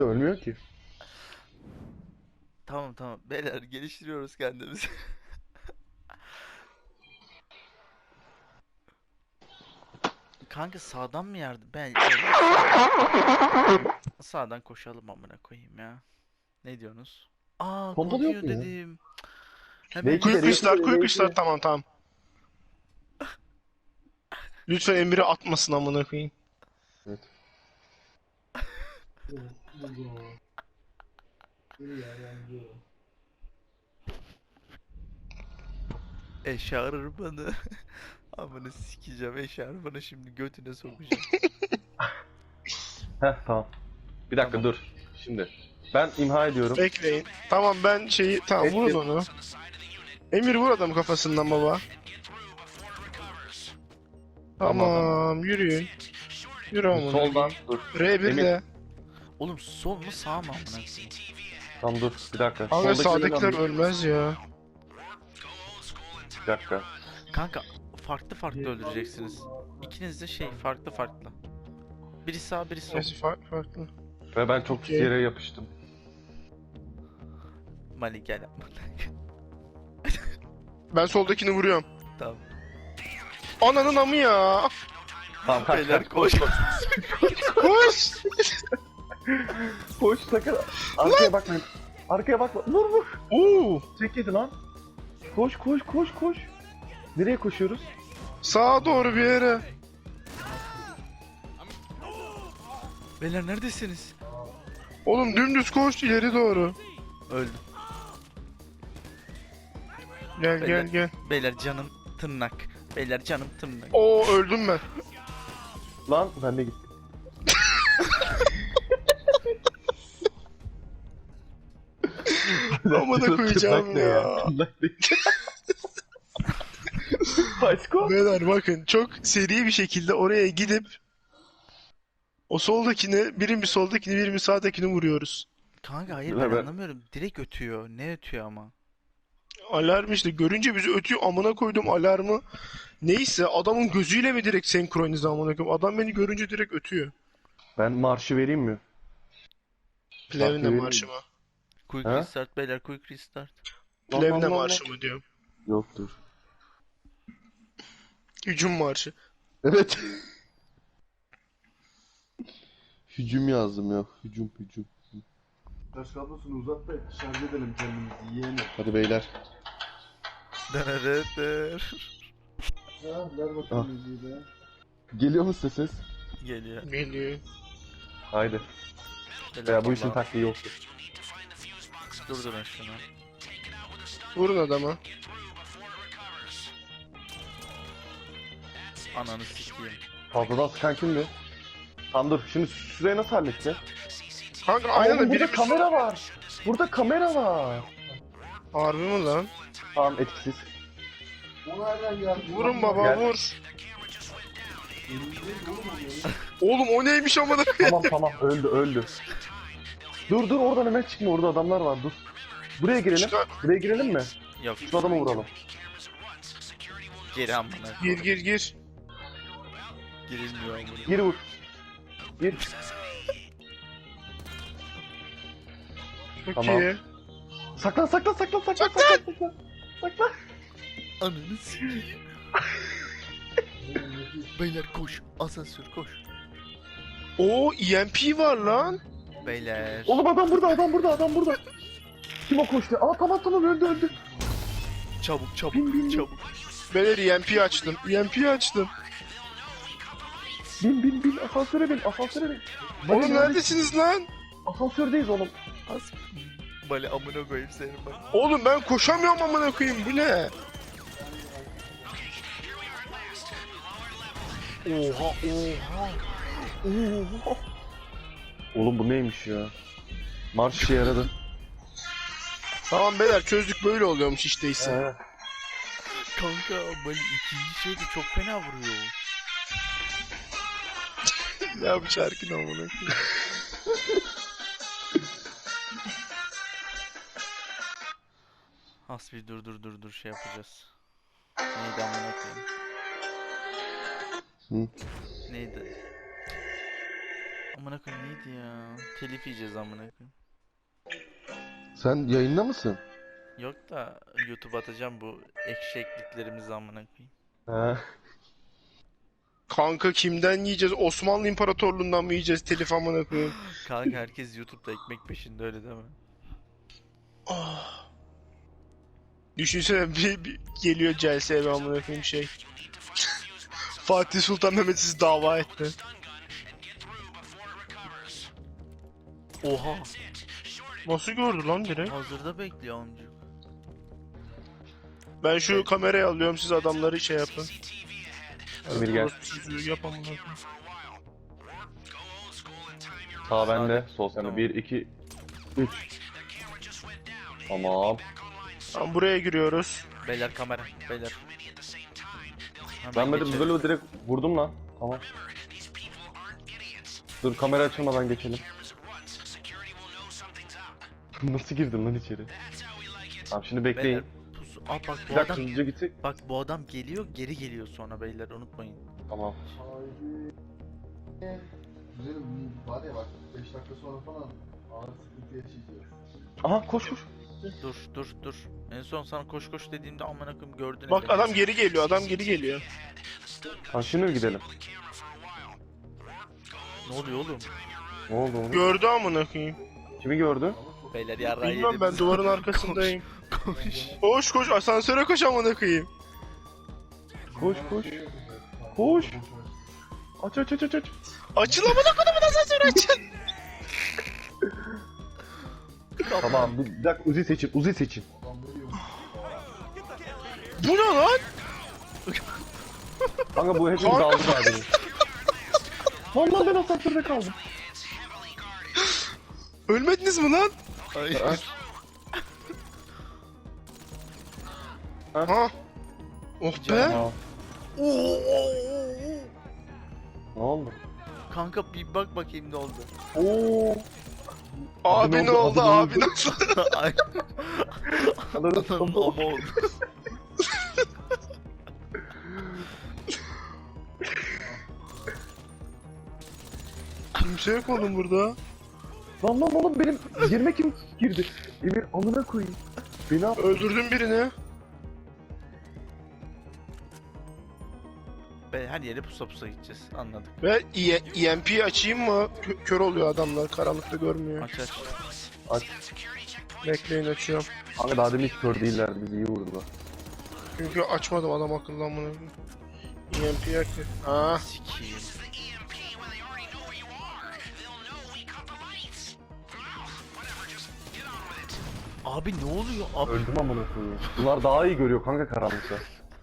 Ölmüyor ki. Tamam tamam. Beyler geliştiriyoruz kendimizi. Kanka sağdan mı yardım? Beyler sağdan koşalım amına koyayım ya. Ne diyorsunuz? Aa Pompalı yok kokuyor mu ya? dedim. Hemen Belki de Quick yazdım. restart, quick belki restart, de. tamam tamam. Lütfen Emir'i atmasın amına koyayım. Evet. Eşarbını. Amına sikeceğim eşarbını şimdi götüne sokacağım. Heh tamam. Bir dakika Tamam. dur. Şimdi. Ben imha ediyorum. Bekleyin. Tamam ben tamam vurun Etkin. onu. Emir vur adamı kafasından baba. Tamam yürüyün. Yürü amına Soldan koyayım. dur. R1 Emir. de. Oğlum sol mu sağ mı amına koyayım? Tamam dur. Bir dakika. Abi Soldaki sağdakiler önemli. ölmez ya. Bir dakika. Kanka farklı farklı öldüreceksiniz. İkiniz de farklı farklı. Biri sağ biri sol. Neyse farklı. Ve ben çok pis Okey. yere yapıştım. Mali gel amına. Ben soldakini vuruyorum. Tamam. Ananın amı ya. Tamam kaç Beyler kaç. koş. Koş. Koş sakın. Arkaya bakmayın. Arkaya bakma. Vur vur. Oo. Çek yedi lan. Koş koş koş koş. Nereye koşuyoruz? Sağa doğru bir yere. Beyler neredesiniz? Oğlum dümdüz koş ileri doğru. Öldüm. Gel Beyler. gel gel. Beyler canım tırnak. Beyler canım tırnak. Oo öldüm ben. Lan ben de gittim. Amına koyacağım ya. Başko. Beyler bakın çok seri bir şekilde oraya gidip o soldakini, birini soldakini, birini sağdakini vuruyoruz. Kanka hayır Beyler, ben ben- anlamıyorum. Direkt ötüyor. Ne ötüyor ama? Alarm işte görünce bizi ötüyor amına koydum alarmı. Neyse adamın gözüyle mi direkt senkronize amına koyayım. Adam beni görünce direkt ötüyor. Ben marşı vereyim mi? Plevne vereyim marşı mı? Quick Ha? restart beyler quick restart. Plevne Lan. marşı mı diyorum. Yoktur. Hücum marşı. Evet. Hücum yazdım ya. Hücum. Taş kablosunu uzat da şarj edelim kendimizi yiyelim. Hadi beyler. Dırırırır. Ha, ver bakalım müziği de. Geliyor mu ses? Geliyor. Geliyor. Haydi. Beyler, Ya bu işin vallahi taktiği yoktur. durdurun şunu. Vurun adama. Ananı sikeyim. Fazladan sıkan kimdi? Tamam dur. Şimdi şurayı nasıl halledeceğiz? Kanka Aa, aynen oğlum, de burada biri kamera var. Burada kamera var. Harbi mi lan? Tamam etkisiz. O nereden geldi? Vurun baba Gel. vur. Oğlum o neymiş amına koyayım? Tamam öldü. Dur oradan hemen çıkma, orada adamlar var, dur. Buraya girelim. Çıkar. Buraya girelim mi? Yok. Şu adamı vuralım. Geri amına. Gir gir gir. Girilmiyor amına. Gir vur. Gir. Çok Tamam. iyi. Saklan. Ananı sikeyim. Beyler koş. Asansör koş. Oo EMP var lan. Beyler. Oğlum adam burada. Kim o koştu? Aa tamam öldü. Çabuk çabuk Bin. çabuk. Beyler EMP açtım. EMP açtım. Bin. Asansöre bin. Oğlum neredesiniz lan? Asansördeyiz oğlum. Az. Bale amına koyayım seni bak. Oğlum ben koşamıyorum amına koyayım bu ne? Oha. Oğlum bu neymiş ya? Marş işe yaradı. Tamam beyler çözdük böyle oluyormuş işte ise. Kanka Bale ikinci şeyde çok fena vuruyor. Ya bu şarkı ne amına koyayım? Hasbi dur şey yapacağız. Neydi amına koyayım? Hı? Neydi? Amına koyayım neydi ya? Telif yiyeceğiz amına koyayım. Sen yayında mısın? Yok da YouTube atacağım bu ekşi ekliklerimizi amına koyayım. He. Kanka kimden yiyeceğiz? Osmanlı İmparatorluğundan mı yiyeceğiz telif amına koyayım? Kanka herkes YouTube'da ekmek peşinde öyle deme. Ah. Düşünsene bir geliyor CS'ye amına koyayım şey. Fatih Sultan Mehmet sizi dava etti. Oha! Nasıl gördü lan direkt? Hazırda bekliyor amcuk. Ben şu kamerayı alıyorum, siz adamları şey yapın. Emir gel. Siz yap amına koyayım. Sağ bende, sol sende. Tamam. 1, 2, 3. Tamam. Tamam, buraya giriyoruz. Beyler kamera, beyler. Hemen Ben geçelim. böyle direkt vurdum lan. Tamam. Dur kamera açılmadan geçelim. Nasıl girdin lan içeri? Tamam şimdi bekleyin. Beyler, pusu. Aa bak Bir bu dakika adam, hızlıca gitsek. bak bu adam geliyor, geri geliyor sonra beyler unutmayın. Tamam. Haydi. Güzelim var ya bak 5 dakika sonra falan ağır sıkıntı yaşayacağız. Aha koş koş. Dur. En son sana koş koş dediğimde amına koyayım gördün. Bak elini. adam geri geliyor, adam geri geliyor. Ha şimdi mi gidelim? Ne oluyor oğlum? Ne oldu oğlum? Gördü amına koyayım. Kimi gördü? Beyler yarrağı Bilmem ben yediniz. duvarın arkasındayım. Koş. Koş koş asansöre koş amına koyayım. Koş koş. Koş. Aç. Açıl amına koyayım asansörü açın. Tamam bir dakika Uzi seçin. Bu ne lan? Kanka bu hepimiz Kanka. aldı abi. Vallahi ben asansörde kaldım. Ölmediniz mi lan? Hayır. Ha? Oh be. Aa, ne oldu? Kanka bir bak bakayım ne oldu. Oo. Abi Abi ne oldu? Abi ne oldu? Ay, Ananı ama tamam. oldu. Kimse yok oğlum burada. Lan oğlum benim yerime kim girdi? Emir amına koyayım. Beni al. Öldürdüm birini. Be her yere pusa pusa gideceğiz anladık. Ve EMP açayım mı? Kör oluyor adamlar. Karanlıkta görmüyor. Aç. Aç. Bekleyin açıyorum. Kanka daha demin hiç kör değillerdi bizi iyi vurdular. Çünkü açmadım adam akıllı amına. EMP yaktı. Ha. Sikiyim. Abi ne oluyor? Abi Öldüm amına koyayım. Bunlar daha iyi görüyor kanka karanlıkta.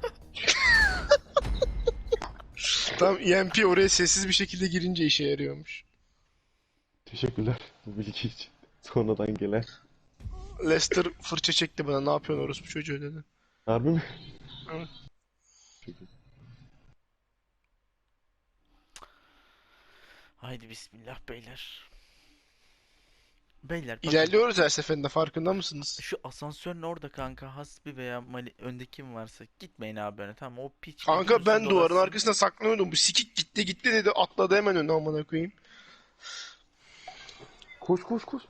Tam EMP oraya sessiz bir şekilde girince işe yarıyormuş. Teşekkürler bu bilgi için. Sonradan gelen. Lester fırça çekti bana. Ne yapıyorsun orospu çocuğu dedi. Harbi mi? Evet. haydi bismillah beyler. Beyler bakın. İlerliyoruz her seferinde, farkında mısınız? Şu asansörün orada kanka Hasbi veya Mali önde kim varsa gitmeyin abi öne tamam o piç. Kanka ben götürsün duvarın dolasın. arkasında saklanıyordum. Bu sikik gitti dedi, atladı hemen önüne amına koyayım. Koş.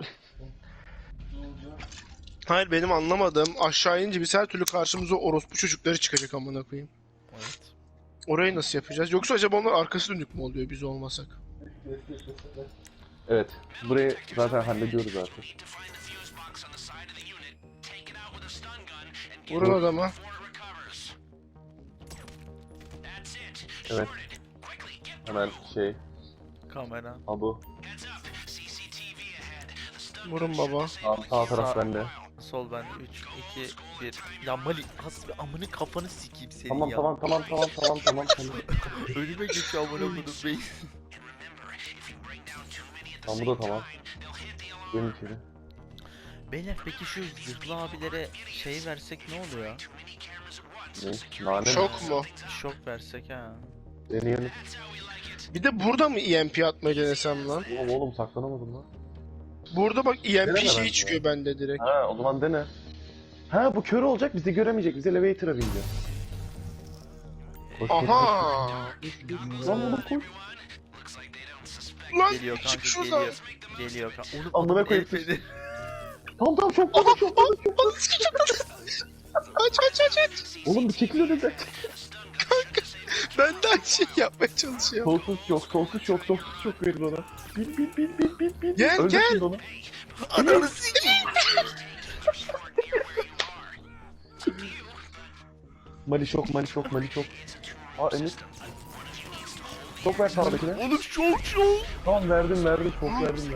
Hayır, benim anlamadığım, aşağı inince biz her türlü karşımıza orospu çocukları çıkacak amına koyayım. Evet. Orayı nasıl yapacağız? Yoksa acaba onlar arkası dönük mü oluyor biz olmasak? Evet. Burayı zaten hallediyoruz artık. Vurun adama. Evet. Hemen Kamera. Abu. Vurun baba. Sağ taraf Sağ- bende. Sol ben 3 2 1. Ya Mali Hasbi amını kafanı sikeyim senin Tamam ya. tamam. Önüme geçiyor amına koydum beyin. Tamam bu da tamam. Gelin içeri. Beyler peki şu zırhlı abilere şey versek ne oluyor? Ne? Nane mi? Şok mu? Şok versek ha. Deneyelim. Bir de burada mı EMP atmayı denesem lan? Oğlum saklanamadım lan. Burada bak EMP Deneme şeyi bence. çıkıyor bende direkt. Ha o zaman dene. Ha bu kör olacak bizi göremeyecek. Biz elevator'a bineceğiz. Koş. Aha! Lan oğlum koş. Lan Geliyor çık kanka şuradan. geliyor. Geliyor kanka. Oğlum Amına adam koyayım. el feneri. Tamam çok fazla çok fazla çok fazla. Bana sikeceğim. Aç. Oğlum bir çekil önümden. Ben de aynı şey yapmaya çalışıyorum. Sonsuz yok verin ona. Bin. Gel, Öldürsün onu. Ananı sikeyim. Mali şok. Aa Emir. Çok ver sağdakine. Oğlum çok. Tamam verdim çok verdim.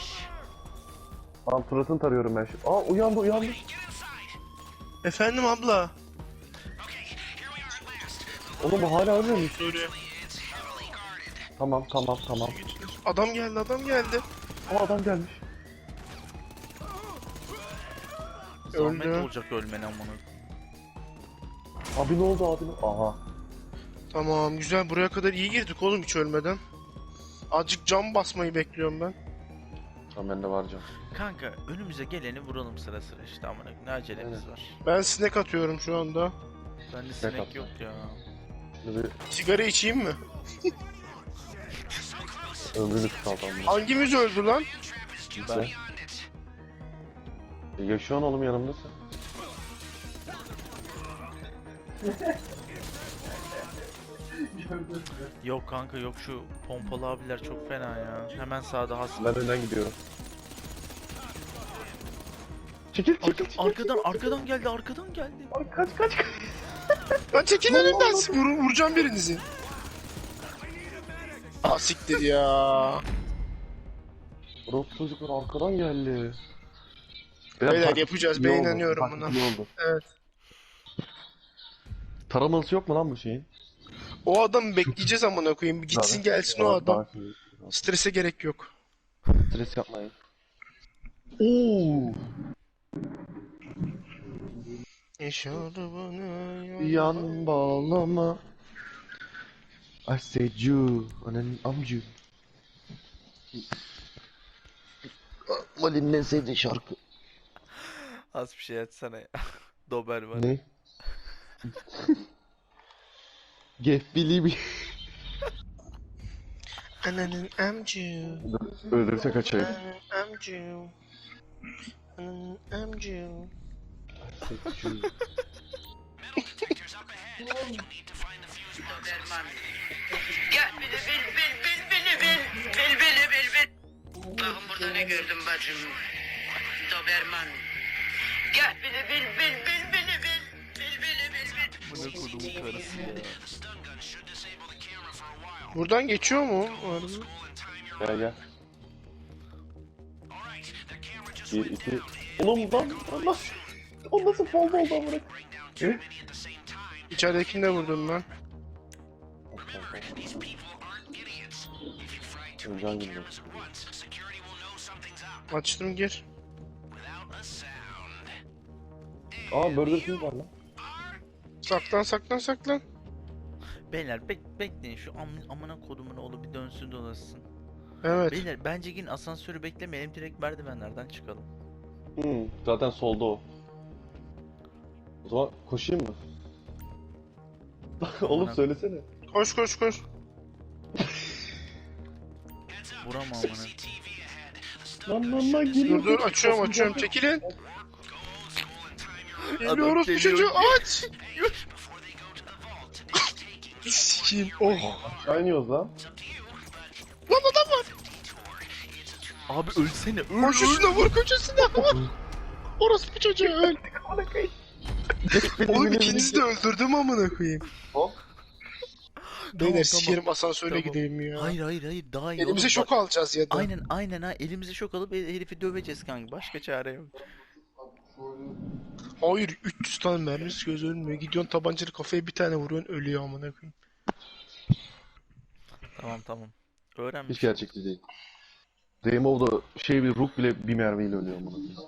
Tamam Fırat'ını tarıyorum ben şimdi. Aa uyandı. Efendim abla. Oğlum bu hala ölmüyor mu? Söyle. Tamam. Adam geldi. Aa adam gelmiş. Zahmet Öldü. olacak ölmen amına. Abi ne oldu abi? Aha. Tamam güzel, buraya kadar iyi girdik oğlum hiç ölmeden. Azıcık cam basmayı bekliyorum ben. Tamam bende var can. Kanka önümüze geleni vuralım sıra işte amına. Ne acelemiz Aynen. var. Ben sinek atıyorum şu anda. Bende Sinek sinek atma. yok ya. Şimdi bir Sigara içeyim mi? ömrünü kısaltalım. Hangimiz öldü lan? Ben. Yaşıyorsun oğlum yanımdasın. Yok kanka yok, şu pompalı abiler çok fena ya. Hemen sağda has. Ben önden gidiyorum. Çekil. Arkadan geldi. Kaç. Lan çekin önünden, vuracağım birinizi. Ah siktir ya. Rot çocuklar arkadan geldi. Beyler yapacağız, ben iyi oldu, inanıyorum taktik buna. iyi oldu. Evet. Taramalısı yok mu lan bu şeyin? O adamı bekleyeceğiz amına koyayım. Bir gitsin gelsin o adam. Strese gerek yok. Stres yapmayın. Oo. Yaşadı bana Yan bağlama. I said you. Ananın amcı. Mali'nin en sevdiği şarkı. Az bir şey açsana ya. Doberman. Ne? Get Billy. Ananın amcı. Öldürse kaçayım. Ananın amcı. Ananın amcı. Gel bil. Bakın burada ne gördüm bacım. Doberman. Gel bil. Bu ne kodumun karısı ya. Buradan geçiyor mu? Gel. 1, 2. Oğlum lan. O nasıl fazla oldu amına? Ne? İçeridekini de vurdum ben. Can gibi. Açtım, gir. Aa Burger King var lan. Saklan. Beyler bekleyin, şu amına kodumun oğlu bir dönsün dolaşsın. Evet. Beyler bence yine asansörü beklemeyelim, direkt merdivenlerden çıkalım. Zaten solda o. O zaman koşayım mı? Oğlum Amına- söylesene. Koş. Vuramam amına. Lan geliyor. Dur açıyorum. Çekilin. Geliyoruz bu geliyor. çocuğu, aç. Sikiyim. Oh. Aşağı iniyoruz lan. Lan adam var. Abi ölsene, Koş üstüne, vur koşusuna. Orası bu çocuğu öl. Oğlum ikinizi de öldürdüm amına koyayım. Hop. Beyler sikerim, asansöre Tamam. gidelim ya. Hayır daha iyi. Elimize oğlum, şok bak- alacağız ya da. Aynen ha, elimize şok alıp herifi döveceğiz kanka, başka çare yok. Hayır, 300 tane mermisi göz ölmüyor. Gidiyorsun tabancalı kafaya bir tane vuruyorsun, ölüyor amına koyayım. Tamam. Öğrenmiş. Hiç gerçekçi değil. Rainbow'da bir Rook bile bir mermiyle ölüyor bunu.